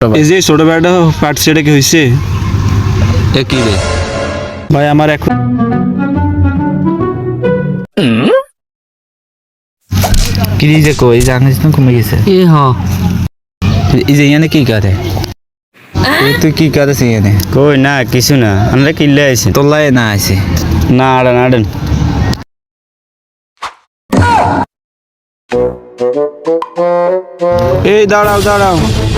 এই যে ছোট ভাইটা পাটছে, এটা কি হয়েছে? এ কি রে ভাই আমার এখন কি যে কই জানিস না কমে গেছে এ হ এই যে এখানে কি করে তুই কি করেছিস এখানে? কই না কিছু না, আমরা কিনলে আইছি। তোলাই না আছে না আড়ান আড়ান। এই দাঁড়াও দাঁড়াও,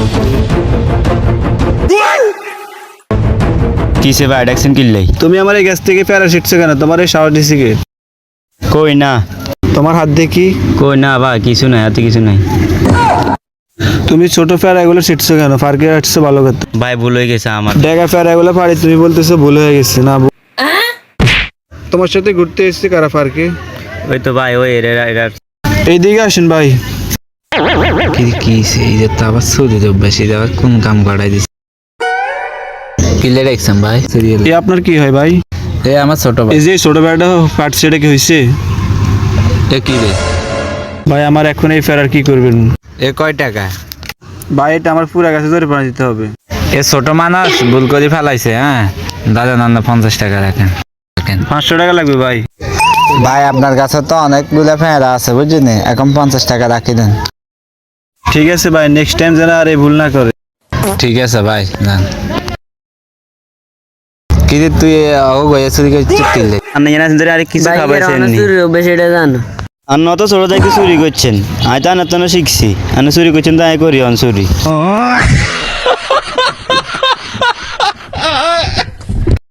কিসে ভাই ডাকছেন কিনলেই? তুমি আমার এই গ্যাস থেকে প্যারা শিটছো কেন? তোমার এই সাহস দিছি কে? কই না, তোমার হাত দেখি। কই না ভাই কিছু নাই, হাতে কিছু নাই। তুমি ছোট প্যারা এগুলো শিটছো কেন? ফারকে হাঁটছো ভালো কথা। ভাই ভুল হয়ে গেছে আমার। ডেগা প্যারা এগুলো পারি, তুমি বলতেছো ভুল হয়ে গেছে না? তোমার সাথে ঘুরতে এসেছি কারা ফারকে? ওই তো ভাই ওই এরা এইদিকে আসেন ভাই। কি কি এই যে তো আবার শুরু তো বেশি আবার কোন কাম করাই দিছে কিলে রাখছেন ভাই সিরিয়াল এ আপনার কি হয় ভাই? এ আমার ছোট ভাই এই যে ছোট ভাইটা পাটছে, এটা কি হয়েছে? এ কি রে ভাই আমার এখন এই ফেরার কি করবেন? এ কয় টাকা? ভাই এটা আমার পুরা গাছে ধরে পানি দিতে হবে। এ ছোট মানুষ ভুল করে ফেলাইছে। হ্যাঁ দাদা নান্না 50 টাকা রাখেন 500 টাকা লাগবে ভাই। ভাই আপনার কাছে তো অনেকগুলো ফেরা আছে বুঝছেন, এখন 50 টাকা রাখি দেন। ঠিক আছে ভাই, নেক্সট টাইম যেন আর এই ভুল না করে। ঠিক আছে ভাই যান। কি রে তুই ও গয়া চুরি করে চিপকিলে আপনি জানেন ধরে আরে কিছু খাবাইছেন নি? বেশি এটা জানো আর নত ছোট থেকে চুরি করছেন, আই তো আনার তো শিখছি, আনে চুরি করছেন তো আই করি অন চুরি।